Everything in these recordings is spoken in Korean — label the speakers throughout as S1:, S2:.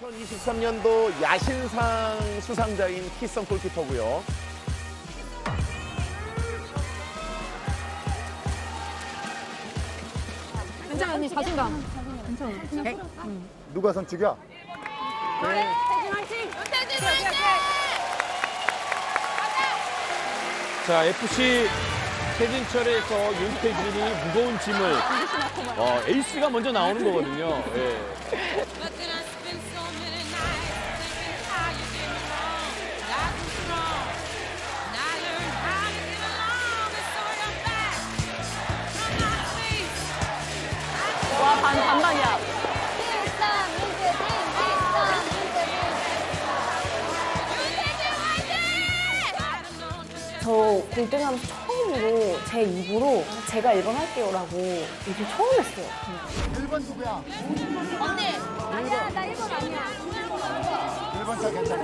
S1: 2023년도 야신상 수상자인 키썸 골키퍼고요.
S2: 괜찮아 언니 자신감. 괜찮아.
S3: 누가 선축이야?
S2: 태진 화이팅! 윤태진 화이팅!
S4: 자, FC 최진철에서 윤태진이 무거운 짐을 에이스가 먼저 나오는 거거든요. 예.
S2: 와 반반이야.
S5: 저 골등하면서 처음으로 제 입으로 제가 1번 할게요라고 얘기 처음 했어요.
S3: 1번 누구야?
S2: 언니. 아니야 나 1번 아니야.
S3: 1번 차 괜찮아.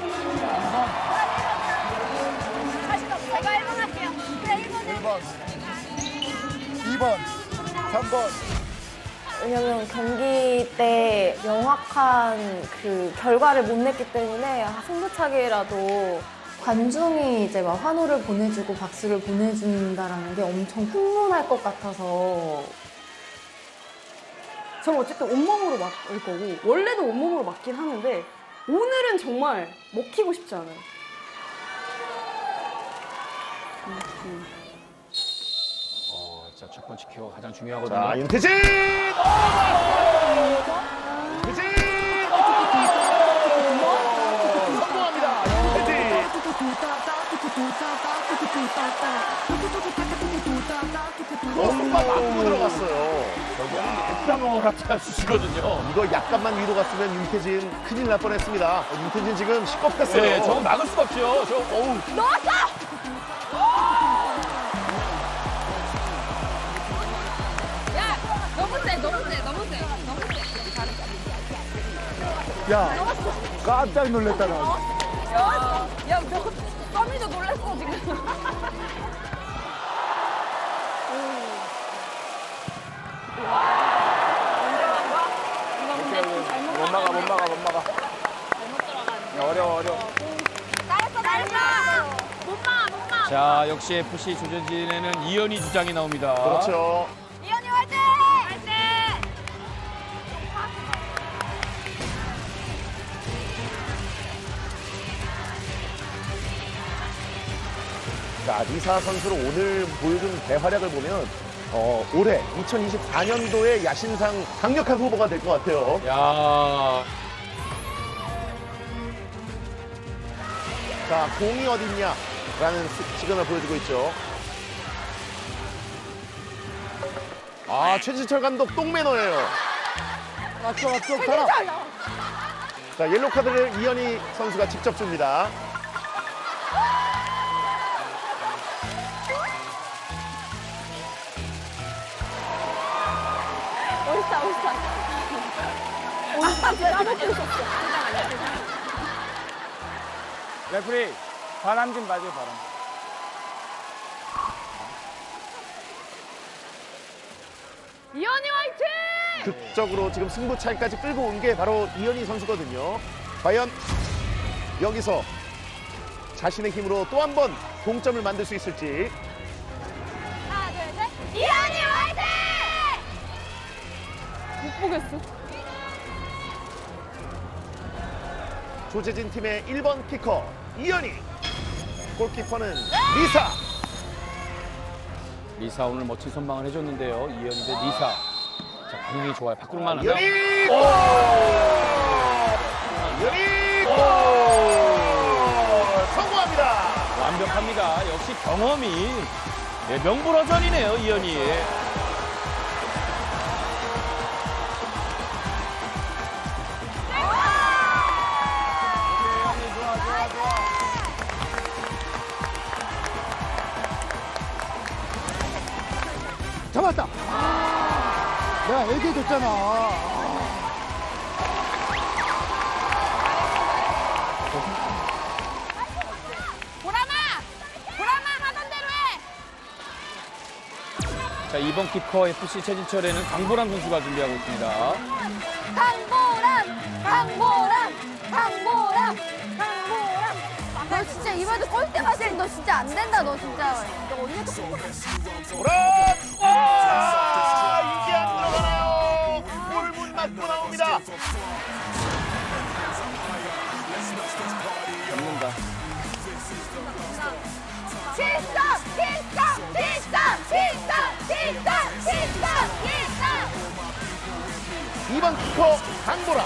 S2: 제가 1번 할게요. 그래 1번.
S3: 1번, 2번, 3번.
S5: 왜냐면 경기 때 명확한 그 결과를 못 냈기 때문에 승부차기라도 관중이 이제 막 환호를 보내주고 박수를 보내준다라는 게 엄청 흥분할 것 같아서
S6: 저는 어쨌든 온몸으로 맞을 거고 원래도 온몸으로 맞긴 하는데 오늘은 정말 먹히고 싶지 않아요.
S4: 자, 첫 번째 키워 가장 중요하거든요.
S1: 자, 윤태진! 윤태진! 성공합니다. 윤태진! 엄마 맞고 들어갔어요.
S4: 땀을 갖다 주시거든요.
S1: 이거 약간만 위로 갔으면 윤태진 큰일 날 뻔했습니다. 윤태진 지금 시겁했어요.
S4: 네, 저거 막을 수가 없죠. 어우.
S2: 야 너무 세 너무 세 너무 세 너무 세.
S3: 야, 깜짝 놀랐다, 나.
S2: 야 너 썸이도 놀랐어 지금.
S4: 못 막아. 야, 어려워.
S2: 잘했어. 못 마.
S4: 자, 역시 FC 조전진에는 이현희 주장이 나옵니다.
S1: 그렇죠.
S2: 이현이 화이팅! 화이팅!
S1: 자, 리사 선수로 오늘 보여준 대활약을 보면 올해 2024년도에 야신상 강력한 후보가 될 것 같아요.
S4: 야,
S1: 자, 공이 어딨냐? 라는 시그널을 보여주고 있죠. 아, 최진철 감독 똥매너예요.
S3: 맞죠, 사람.
S1: 자, 옐로 카드를 이현희 선수가 직접 줍니다.
S4: 레프리 바람 좀 봐줘, 바람.
S2: 이현이 화이팅!
S1: 극적으로 지금 승부차이까지 끌고 온 게 바로 이현희 선수거든요. 과연 여기서 자신의 힘으로 또 한 번 동점을 만들 수 있을지.
S2: 하나 둘 셋. 이현이 화이팅!
S6: 못 보겠어.
S1: 조재진 팀의 1번 키커 이현희. 골키퍼는 리사.
S4: 리사 오늘 멋진 선방을 해줬는데요. 이현희 대 리사. 자, 반응이 좋아요. 밖으로만 하면.
S1: 이현희 골! 이현희 골! 성공합니다.
S4: 완벽합니다. 역시 경험이 명불허전이네요, 이현희.
S3: 잡았다. 내가 얘기해줬잖아.
S2: 보람아 하던 대로 해.
S4: 자, 이번 키커 FC 최진철에는 강보람 선수가 준비하고 있습니다.
S2: 너 진짜 이번에도 꼴대 맞으면 너 진짜 안 된다. 너 진짜. 너 언니도
S1: 오라! 와! 이게 안 들어가나요? 골문 맞고 나옵니다.
S4: 잡는다.
S1: 이번 키커 강보라.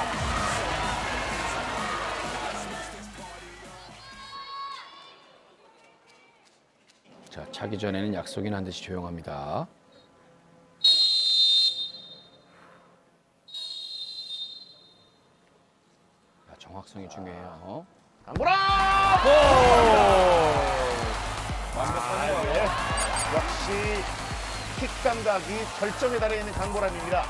S4: 자, 자기 전에는 약속이나 한 듯이 조용합니다. 자, 정확성이 중요해요.
S1: 강보라! 네. 역시 킥 감각이 절정에 달해 있는 강보람입니다.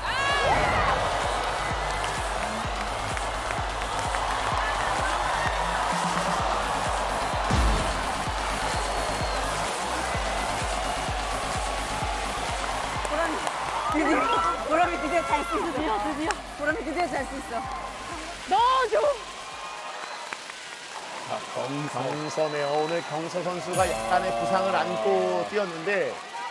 S2: 보람이 드디어 잘 수 있어. 드디어. 보람이 드디어 잘 수 있어. 넣어줘.
S4: 자, 정성.
S1: 경서네요. 오늘 경서 선수가 약간의 부상을 안고 뛰었는데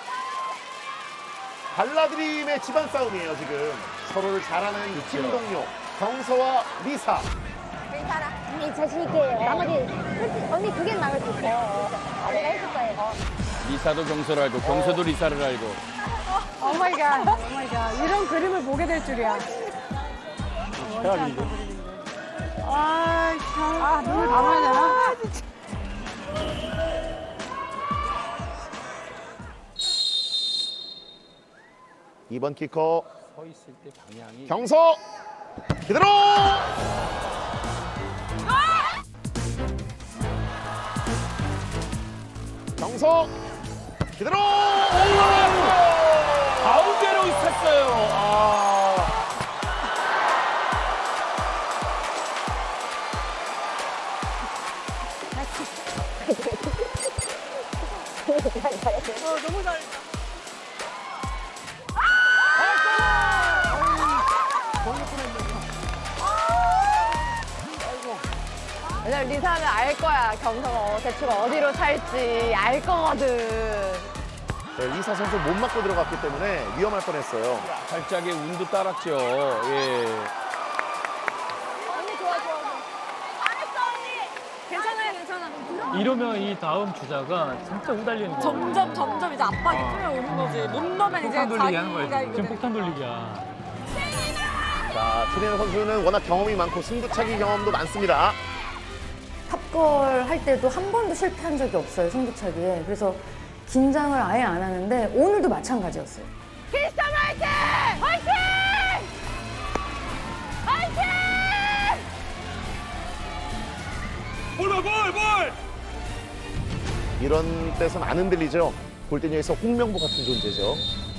S1: 발라드림의 집안 싸움이에요 지금. 서로를 잘 아는 팀 동료 경서와 리사.
S7: 괜찮아. 언니 자신 있게 나머지 솔직히 언니 두 개는 막을 수 있어. 내가 해줄 거예요.
S4: 리사도 경서를 알고 경서도 리사를 알고.
S6: 오마이갓, 오마이갓. 이런 그림을 보게 될 줄이야. 아, 참. 아, 눈을 감아야 되나?
S1: 이번 키커
S4: 서 있을 때 방향이
S1: 경서 그대로. 경서 그대로.
S4: 가운데로 있었어요. 아.
S2: 왜냐면 리사는 알 거야. 경서가 대충 어디로 찰지 알 거거든.
S1: 네, 리사 선수 못 맞고 들어갔기 때문에 위험할 뻔했어요.
S4: 살짝의 운도 따랐죠. 예.
S2: 언니 좋아. 잘했어 언니. 괜찮아요 괜찮아.
S8: 이러면 이 다음 주자가 진짜 후달리는 거야.
S6: 점점 이제 압박이 끌어오는 거지. 못 넣으면 이제
S8: 폭탄 돌리기 하는
S6: 자기가
S8: 거야. 지금
S6: 이거는.
S8: 폭탄 돌리기야.
S1: 자, 트레이너 선수는 워낙 경험이 많고 승부차기 경험도 많습니다.
S5: 탑걸 할 때도 한 번도 실패한 적이 없어요, 승부차기에. 그래서 긴장을 아예 안 하는데 오늘도 마찬가지였어요.
S2: 키스타 화이팅! 화이팅! 화이팅!
S1: 이런 때선 안 흔들리죠. 골대녀에서 홍명보 같은 존재죠.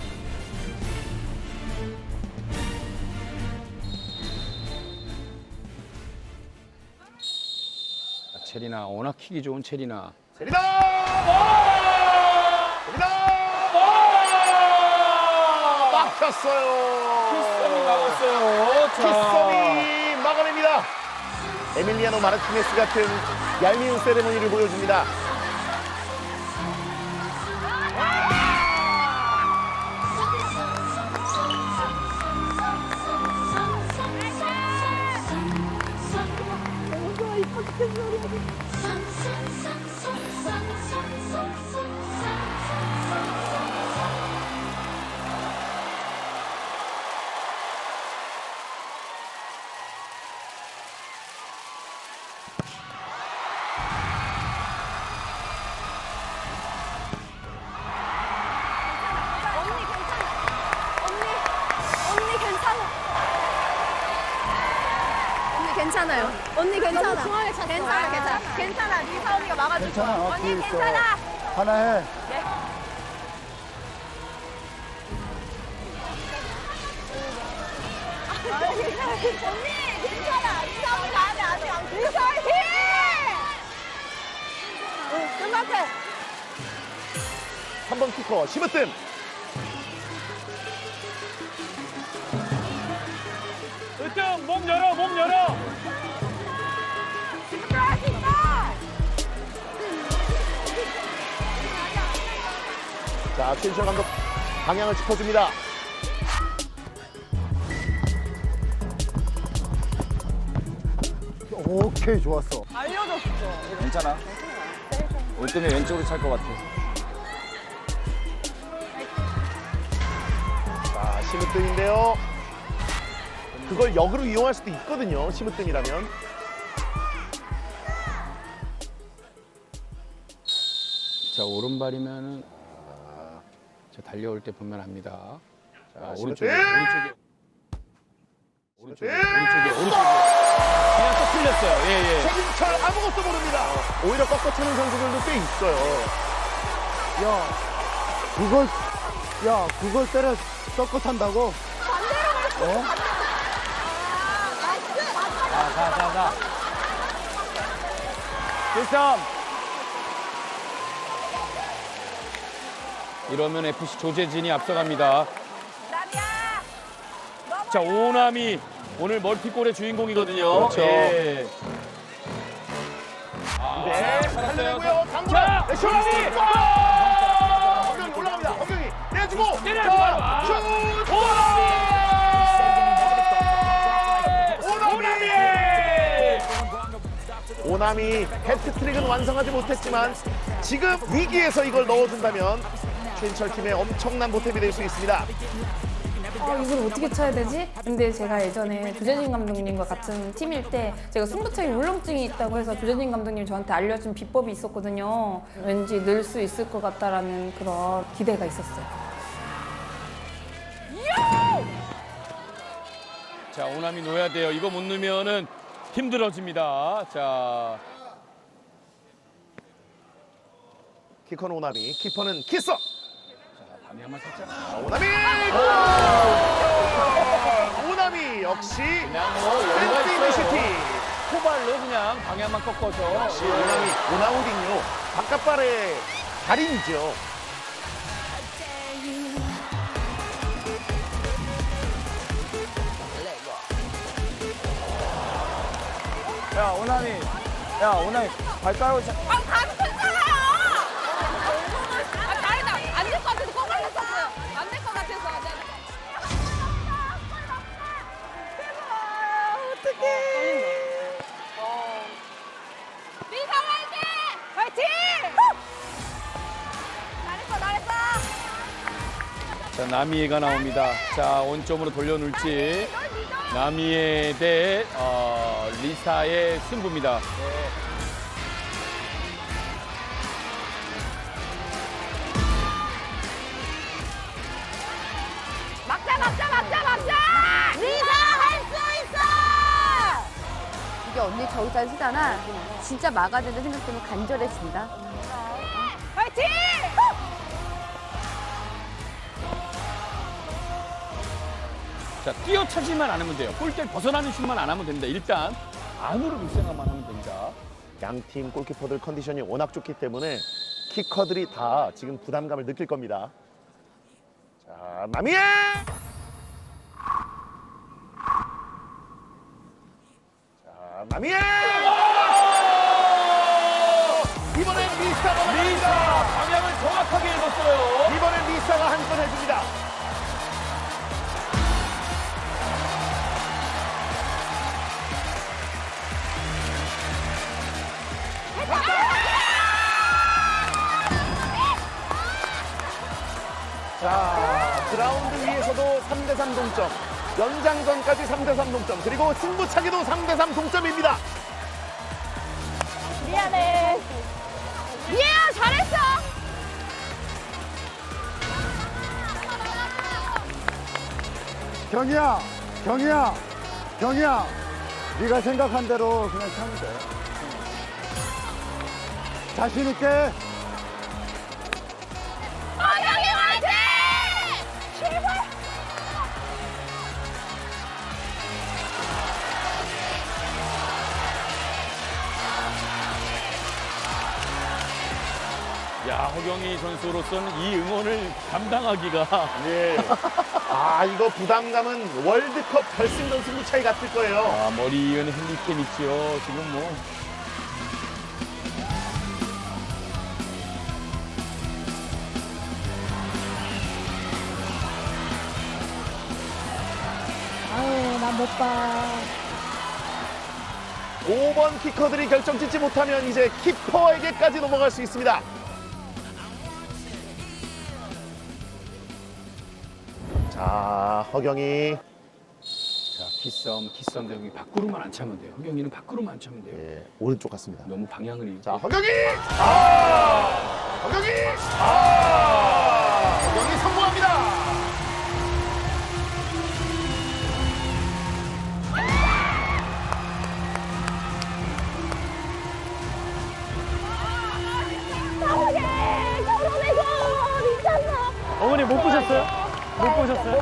S4: 체리나 워낙 킥이 좋은 체리나.
S1: 세리나! 세리나! 막혔어요.
S4: 키썸이 막았어요.
S1: 키썸이 막아냅니다. 에밀리아노 마르티네스 같은 얄미운 세레모니를 보여줍니다.
S2: 괜찮아요. 언니 괜찮아. 중앙에 찼어. 괜찮아. 리사 언니가 막아줄 거야.
S3: 괜찮아.
S2: 언니
S3: 뒤에 있어.
S2: 괜찮아.
S3: 하나 해.
S2: 언니 괜찮아. 리사 언니 나한테 아직 안 돼. 리사 화이팅! 끝났대.
S1: 3번 키커 시브뜸.
S8: 으뜸 몸 열어 몸 열어.
S1: 자, 최인철 감독 방향을 짚어줍니다.
S3: 오케이, 좋았어.
S4: 괜찮아. 으뜸이 왼쪽으로 찰 것 같아.
S1: 자, 심으뜸인데요. 그걸 역으로 이용할 수도 있거든요. 심으뜸이라면.
S4: 자, 오른발이면은 자, 달려올 때 보면 압니다. 자, 오른쪽에
S1: 심으뜸!
S4: 오른쪽에 그냥 또 틀렸어요. 예.
S1: 최진철 아무것도 모릅니다. 오히려 꺾어치는 선수들도 꽤 있어요.
S3: 그걸 때려 섞어 탄다고?
S4: 자. 1-3. 이러면 FC 조재진이 앞서갑니다. 자, 오남이 오늘 멀티골의 주인공이거든요.
S1: 그렇죠.
S4: 예.
S1: 네, 살려내고요.
S4: 자,
S1: 장구라.
S4: 오남이!
S1: 허경이 올라갑니다. 허경이 내주고.
S4: 때려주고.
S1: 자, 슛. 오남이 해트트릭은 완성하지 못했지만 지금 위기에서 이걸 넣어준다면 최인철 팀의 엄청난 보탬이 될 수 있습니다.
S5: 이걸 어떻게 쳐야 되지? 근데 제가 예전에 조재진 감독님과 같은 팀일 때 제가 승부차기 울렁증이 있다고 해서 조재진 감독님이 저한테 알려준 비법이 있었거든요. 왠지 늘 수 있을 것 같다라는 그런 기대가 있었어요.
S4: 자, 오남이 놓아야 돼요. 이거 못 넣으면은 힘들어집니다. 자,
S1: 키커는 오남이, 키퍼는 키서.
S4: 방향만 살짝.
S1: 오남이! 오남이 역시
S4: 그냥
S1: 댄스 이니시티.
S4: 포발로 그냥 방향만 꺾어서.
S1: 역시 오남이 오나우딩요. 바깥발의 달인이죠.
S3: 야, 오남이 발가락을
S2: 다리 괜찮아요. 다리다 안 될 것 같아서 꼭 걸렸었어요. 안 될 것 같아서. 미사 화이팅! 화이팅! 잘했어.
S4: 자, 나미에가 나옵니다. 자, 원점으로 돌려놓을지. 나미에 대 리사의 승부입니다.
S2: 막자! 미사 할 수 있어!
S7: 이게 언니 저기 잘 쓰잖아. 진짜 막아야 된다 생각되면 간절해진다.
S2: 화이팅!
S4: 자, 뛰어차지만 않으면 돼요. 골대를 벗어나는 슛만 안 하면 됩니다. 일단 안으로 밀생각만 하면 됩니다.
S1: 양팀 골키퍼들 컨디션이 워낙 좋기 때문에 키커들이 다 지금 부담감을 느낄 겁니다. 자, 나미에! 자, 나미에! 이번엔 리사가
S4: 리사 방향을 정확하게 읽었어요.
S1: 이번엔 리사가 한 건 해줍니다. 자, 그라운드 위에서도 3대3 동점, 연장전까지 3대3 동점, 그리고 승부차기도 3대3 동점입니다.
S2: 미안해. 미애야 잘했어.
S3: 경이야, 네가 생각한 대로 그냥 차면 돼. 자신 있게.
S2: 허경이 화이팅!
S4: 야, 허경희 선수로서는 이 응원을 감당하기가
S1: 예. 아, 이거 부담감은 월드컵 결승전 승부 차이 같을 거예요.
S4: 아, 머리 이은 헨리켄 있죠. 지금 뭐.
S7: 아유, 난 못 봐.
S1: 5번 키커들이 결정 짓지 못하면 이제 키퍼에게까지 넘어갈 수 있습니다. 자, 허경이.
S4: 자, 키썸 여기 밖으로만 안 차면 돼요. 허경이는 밖으로만 안 차면 돼요.
S1: 예, 오른쪽 같습니다.
S4: 너무 방향을 잃고.
S1: 자, 허경이! 허경이! 허경이 성공합니다.
S8: 어머니 못 보셨어요? 못 보셨어요?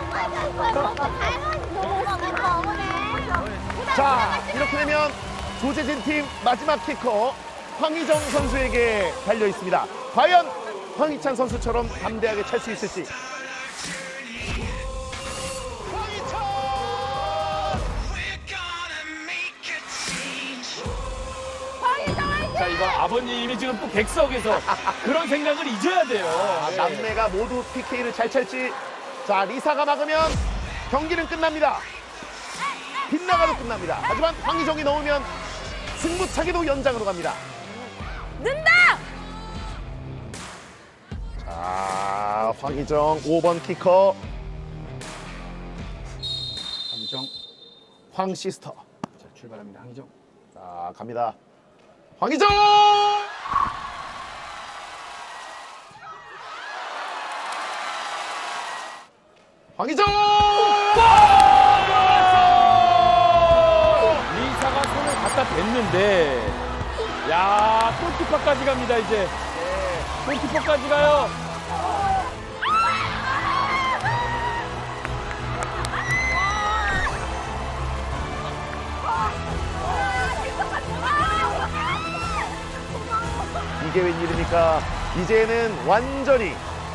S1: 자, 이렇게 되면 조재진 팀 마지막 키커 황희정 선수에게 달려 있습니다. 과연 황희찬 선수처럼 담대하게 찰 수 있을지.
S4: 자, 이거 아버님이 지금 또 객석에서 그런 생각을 잊어야 돼요. 예.
S1: 남매가 모두 PK를 잘 찰지. 자, 리사가 막으면 경기는 끝납니다. 빗나가도 끝납니다. 하지만 황희정이 넣으면 승부차기도 연장으로 갑니다.
S2: 는다!
S1: 자, 황희정 5번 키커
S4: 황희정.
S1: 황시스터.
S4: 자, 출발합니다. 황희정.
S1: 자, 갑니다. 황희정! 황희정!
S4: 리사가 손을 갖다 댔는데, 야, 골키퍼까지 갑니다, 이제. 골키퍼까지 가요.
S1: 이게 웬일입니까? 이제는 완전히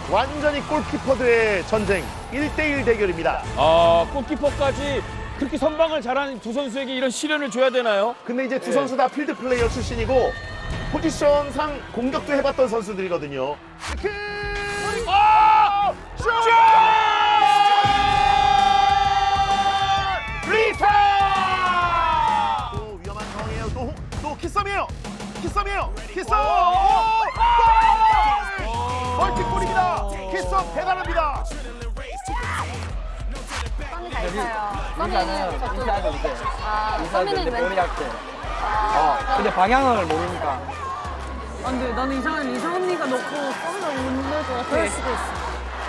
S1: 골키퍼들의 전쟁 1대1 대결입니다.
S4: 아, 골키퍼까지 그렇게 선방을 잘하는 두 선수에게 이런 시련을 줘야 되나요?
S1: 근데 이제 두 선수 다 필드 플레이어 출신이고 포지션상 공격도 해봤던 선수들이거든요. 킥! 슛! 리타! 또 위험한 상황이에요. 또 키썸이에요. 키썸! 멀티골입니다. 키썸 대단합니다.
S2: 썸이 잘 차요.
S9: 이사는 머리 약해. 근데 방향을 모르니까.
S6: 근데 나는 이상 언니가 넣고 썸을 못낼것 같아. 그럴 수도 있어.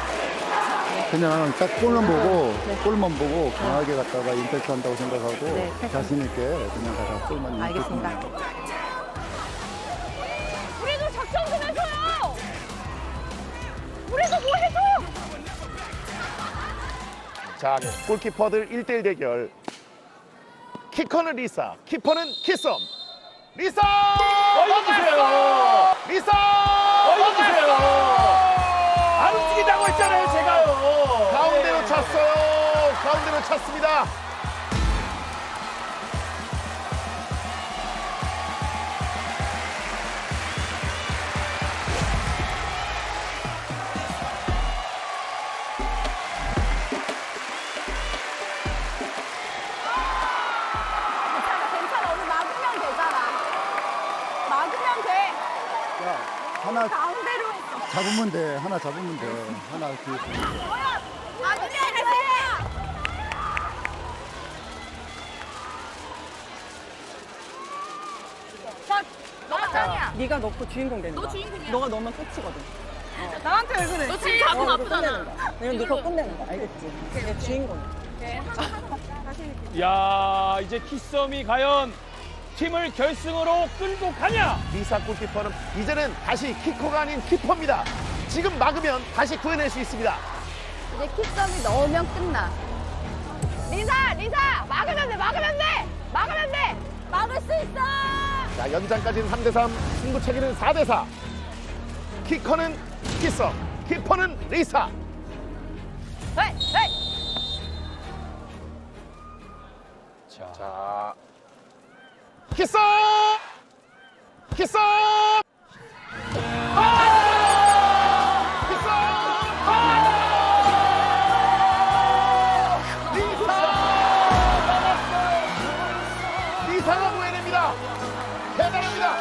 S3: 그냥 딱 골만 보고 강하게 갔다가 임팩트 한다고 생각하고 자신 있게 그냥 가서 골만 알겠습니다.
S2: 우리도 작전 좀 해줘요! 우리도 뭐 해줘!
S1: 자, 골키퍼들 1대1 대결. 키커는 리사, 키퍼는 키썸. 리사!
S4: 보세요.
S1: 리사!
S4: 보세요. 안 움직인다고 했잖아요, 제가요.
S1: 가운데로 찼어요. 가운데로 찼습니다.
S2: 괜찮아. 오늘 막으면 되잖아. 막으면 돼.
S3: 야, 하나
S2: 가운데로 했어.
S3: 잡으면 돼. 하나 잡으면 돼. 하나 그
S2: 막으면 돼. 너가 짱이야.
S6: 네가 넣고 주인공 되는 거야.
S2: 너 주인공이야.
S6: 너가 넣으면 끝이거든. 나한테 왜 그래?
S2: 너 지금 잡으면 아프잖아.
S6: 내가 네가 끝내는 거야. 알겠지? 내 주인공이야.
S4: 야, 이제 키썸이 과연 팀을 결승으로 끌고 가냐?
S1: 리사 골키퍼는 이제는 다시 키커가 아닌 키퍼입니다. 지금 막으면 다시 구해낼 수 있습니다.
S2: 이제 킥썸이 넣으면 끝나. 리사! 막으면 돼! 막을 수 있어!
S1: 자, 연장까지는 3대3, 승부차기는 4대4. 키커는 키썸, 키퍼는 리사.
S2: 헤이!
S1: 자, 키스! 키스! 리사가 구해냅니다. 대단합니다.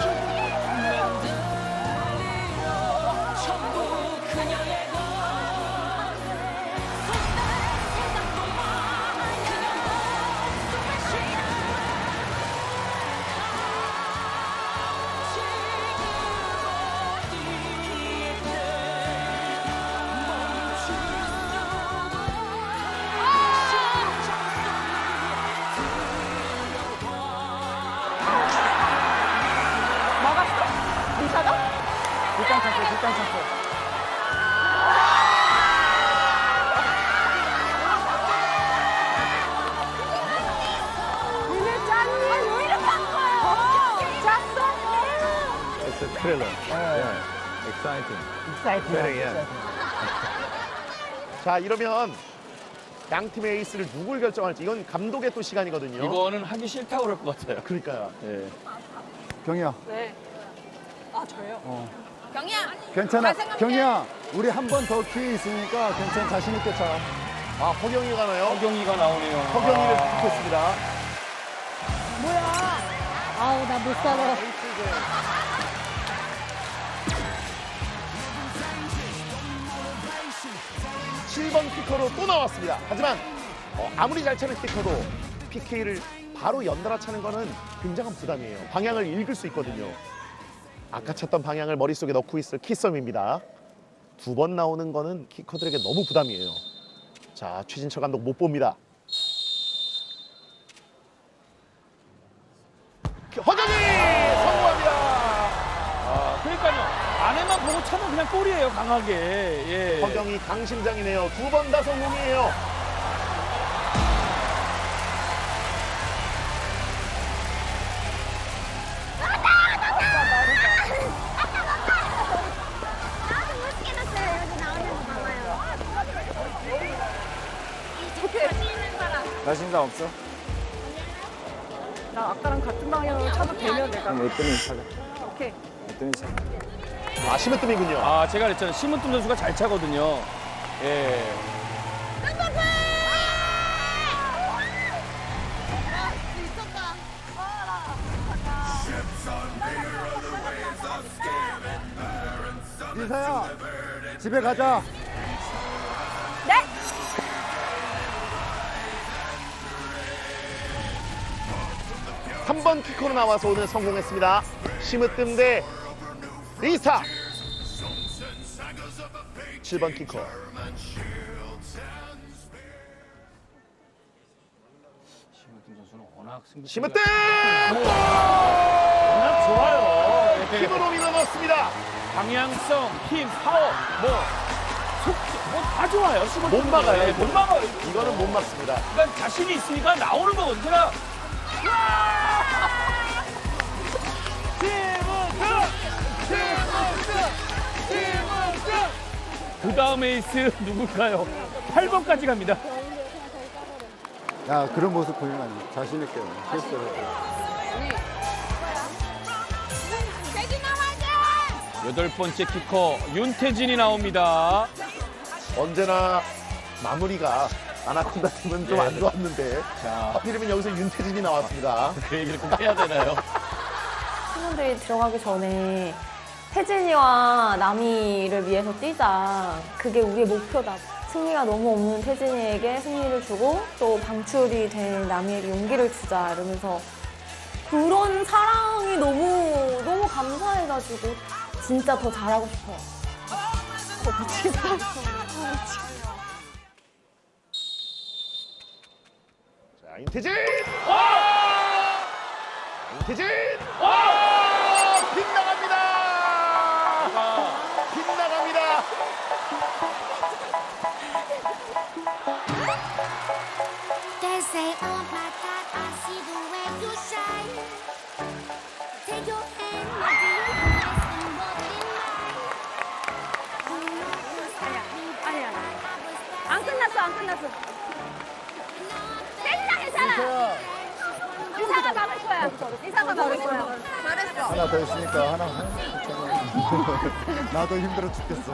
S8: 뒷땅 찼어, 뒷땅 찼어.
S1: It's a thriller. Yeah. Exciting. Very, yeah. 자, 이러면 양 팀의 에이스를 누굴 결정할지 이건 감독의 또 시간이거든요.
S4: 이거는 하기 싫다고 그럴 것 같아요.
S1: 그러니까요.
S4: 예.
S3: 경희야.
S6: 네. 아 저요?
S2: 경이야.
S3: 괜찮아.
S2: 잘 생각해.
S3: 경희야, 우리 한 번 더 기회 있으니까 괜찮아. 자신 있게 차.
S1: 아, 허경이가 가나요?
S4: 허경이가 나오네요.
S1: 허경이를 픽했습니다.
S7: 아우 나 못 살아.
S1: 7번 피커로 또 나왔습니다. 하지만 아무리 잘 차는 피커도 PK를 바로 연달아 차는 거는 굉장한 부담이에요. 방향을 읽을 수 있거든요. 아까 찼던 방향을 머릿속에 넣고 있을 키썸입니다. 2번 나오는 거는 키커들에게 너무 부담이에요. 자, 최진철 감독 못 봅니다. 허경이 성공합니다.
S4: 아, 그러니까요. 안에만 보고 차면 그냥 골이에요, 강하게. 예.
S1: 허경이 강심장이네요. 2번 다 성공이에요.
S7: 나도 못 깨놨어요. 여기 나오는 거 봐봐요. 자신 있는 사람.
S8: 자신감 없어?
S6: 나 아까랑 같은 방향으로 차도 되면 내가.
S8: 그럼 으뜸이 차자.
S6: 오케이.
S8: 으뜸이 차.
S1: 아, 심으뜸이군요.
S4: 아, 제가 그랬잖아요. 심은뜸 선수가 잘 차거든요. 예.
S3: 리사야, 집에 가자.
S2: 네.
S1: 3번 키커로 나와서 오늘 성공했습니다. 심으뜸 대 리사. 7번 키커.
S4: 심은뜸 선수는 워낙 승부.
S1: 심으뜸!
S4: 워낙 좋아요. 예.
S1: 힘으로 밀어넣습니다.
S4: 방향성, 힘, 파워, 속도, 다 좋아요. 심은뜸.
S1: 못 막아요.
S4: 예, 못 막아요.
S1: 이거는 못 막습니다.
S4: 그러니까 자신이 있으니까 나오는 거거든요. 제가 그 다음 에이스 누굴까요? 8번까지 갑니다.
S3: 야, 그런 모습 보이면 안 돼. 자신 있게 실수를 해.
S4: 여덟 번째 키커 윤태진이 나옵니다.
S1: 언제나 마무리가 아나콘다 팀은 좀 안 좋았는데
S4: 자,
S1: 하필이면 여기서 윤태진이 나왔습니다.
S4: 그 얘기를 꼭 해야 되나요?
S5: 팀원들이 들어가기 전에 태진이와 남이를 위해서 뛰자. 그게 우리의 목표다. 승리가 너무 없는 태진이에게 승리를 주고 또 방출이 된 남이에게 용기를 주자 이러면서 그런 사랑이 너무 감사해가지고 진짜 더 잘하고 싶어요.
S1: 자, 윤태진! 윤태진! 빗나갑니다! 빗나갑니다!
S7: They say, oh my God, I see the way you shine. Take your hand, my dear, and walk in mine. You know you stopped me,
S2: 아니야.
S7: I was
S2: 안 끝났어, 안 끝났어. 괜찮아, 괜찮아. 리사야. 리사가 잘했어요. 잘했어.
S3: 하나 더 있으니까 하나. 나도 힘들어 죽겠어.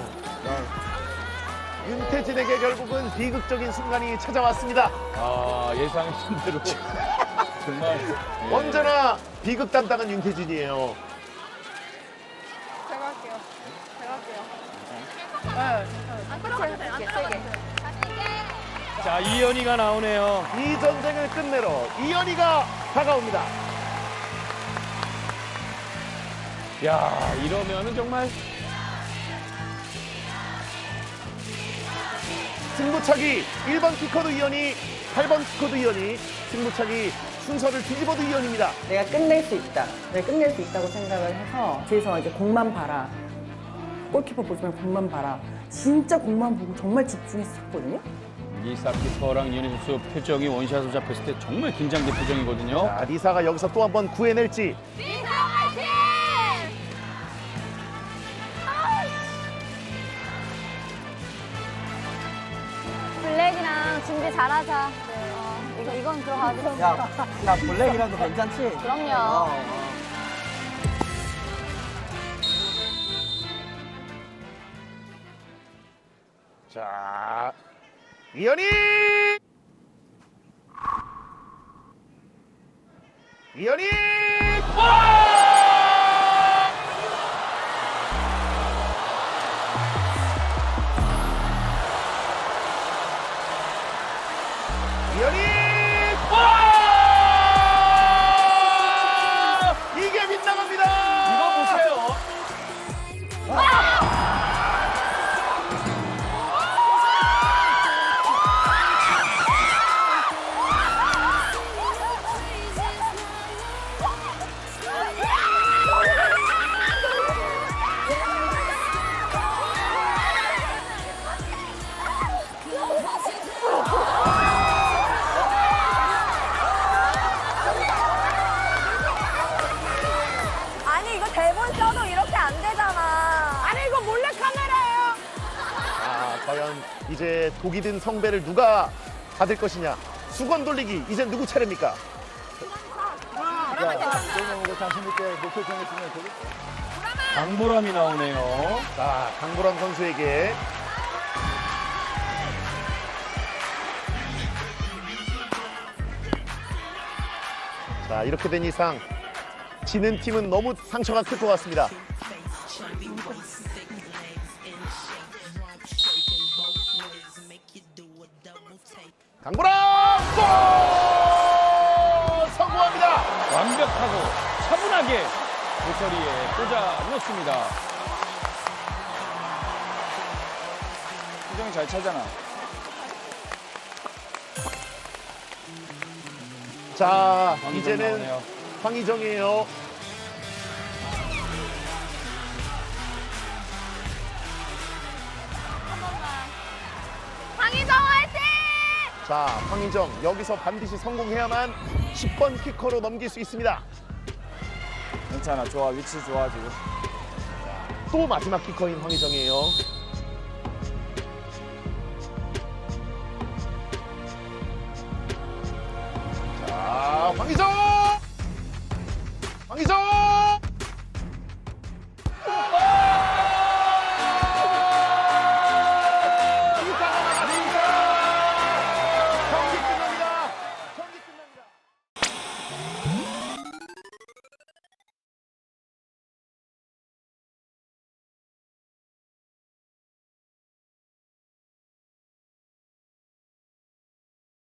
S1: 윤태진에게 결국은 비극적인 순간이 찾아왔습니다.
S4: 아, 예상했던 대로. 정말. 예.
S1: 언제나 비극 담당은 윤태진이에요.
S2: 제가 할게요. 네. 안 끌어가도 돼. 안 끌어가도 돼.
S4: 자, 이현이가 나오네요.
S1: 이 전쟁을 끝내러 이현이가 다가옵니다.
S4: 야, 이러면은 정말.
S1: 승부차기 1번 키커드 이현이, 8번 키커드 이현이, 승부차기 순서를 뒤집어도 이현입니다.
S10: 내가 끝낼 수 있다. 내가 끝낼 수 있다고 생각을 해서 뒤에서 이제 공만 봐라. 골키퍼 보지 말고 공만 봐라. 진짜 공만 보고 정말 집중해서 쳤거든요.
S4: 리사 키퍼랑 이현희 선수 표정이 원샷으로 잡혔을 때 정말 긴장된 표정이거든요.
S1: 자, 리사가 여기서 또 한 번 구해낼지.
S2: 리사 화이팅! 블랙이랑 준비 잘하자. 이건 들어가야 돼.
S9: 야 블랙이라도 괜찮지?
S2: 그럼요.
S1: 자, 이현이! 이현이! 이현이! 이게 빗나갑니다!
S4: 이거 보세요.
S2: 아니 이거 대본 써도 이렇게 안 되잖아. 아니 이거 몰래 카메라예요.
S1: 아, 과연 이제 독이 든 성배를 누가 받을 것이냐. 수건 돌리기, 이제 누구 차례입니까?
S3: 너무 자신 있게 목표 정했으면 되겠어.
S4: 강보람이 나오네요.
S1: 자, 강보람 선수에게. 자, 이렇게 된 이상 지는 팀은 너무 상처가 클 것 같습니다. 강보람 골! 성공합니다.
S4: 완벽하고 차분하게 모서리에 꽂아 넣었습니다.
S8: 표정이 잘 차잖아.
S1: 자,
S4: 황희정
S1: 이제는
S4: 나오네요.
S1: 황희정이에요.
S2: 황희정 화이팅!
S1: 자, 황희정 여기서 반드시 성공해야만 10번 키커로 넘길 수 있습니다.
S8: 괜찮아. 좋아. 위치 좋아 지금.
S1: 또 마지막 키커인 황희정이에요. 자, 황희정!